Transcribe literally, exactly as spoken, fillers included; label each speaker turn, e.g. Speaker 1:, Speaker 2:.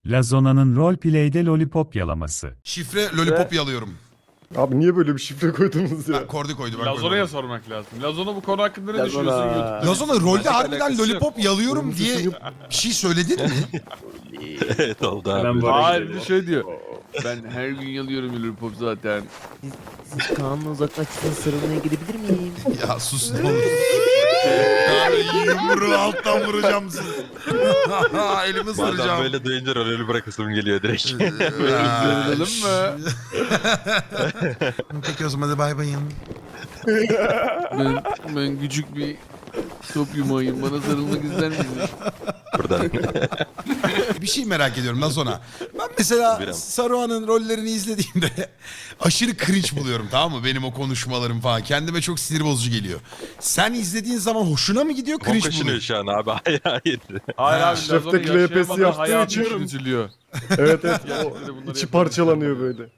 Speaker 1: Lazona'nın roleplay'de lollipop yalaması.
Speaker 2: Şifre lollipop yalıyorum.
Speaker 3: Abi niye böyle bir şifre koydunuz ya?
Speaker 2: Ha, Kordi koydu ben
Speaker 4: Lazona'ya
Speaker 2: koymadım.
Speaker 4: sormak lazım. Lazona bu konu hakkında ne
Speaker 5: Lazona.
Speaker 4: düşünüyorsun YouTube'da?
Speaker 2: Lazona rolde
Speaker 5: Başka
Speaker 2: harbiden
Speaker 5: alakası
Speaker 2: lollipop yalıyorum diye bir şey söyledin mi?
Speaker 6: Evet oldu abi.
Speaker 5: Ben bu
Speaker 4: Hayır bir de şey diyor. Ben her gün yalıyorum lollipop zaten.
Speaker 7: Siz Kaan'la uzaklaştığınız sarılmaya gidebilir miyim?
Speaker 2: Ya sus ne olur. Abi yumruğu alttan vuracağım seni. Elimi
Speaker 6: Bazen
Speaker 2: ısıracağım.
Speaker 6: böyle duyunca rolü bırakasım geliyor direkt.
Speaker 4: Sarılalım mı?
Speaker 2: Peki o zaman hadi bay bayım.
Speaker 4: Ben, ben küçük bir top yumağıyım. Bana sarılmak ister misin?
Speaker 6: Buradan.
Speaker 2: Bir şey merak ediyorum Lazona. Ben mesela
Speaker 6: Biram.
Speaker 2: Saruhan'ın rollerini izlediğimde aşırı cringe buluyorum, tamam mı? Benim o konuşmalarım falan. Kendime çok sinir bozucu geliyor. Sen izlediğin zaman hoşuna mı gidiyor, cringe
Speaker 6: Kaşınıyor
Speaker 2: buluyor?
Speaker 6: şu an abi. Hayır hayır.
Speaker 4: Hayır abi
Speaker 3: Şefteki
Speaker 4: Lazona
Speaker 3: R P'si
Speaker 4: yaşayamadan
Speaker 3: yaptığı
Speaker 4: hayatı
Speaker 3: için-
Speaker 4: üzülüyor.
Speaker 3: Evet evet.
Speaker 4: Gerçekten de
Speaker 3: O
Speaker 4: bunları
Speaker 3: içi
Speaker 4: yapıyor.
Speaker 3: parçalanıyor böyle.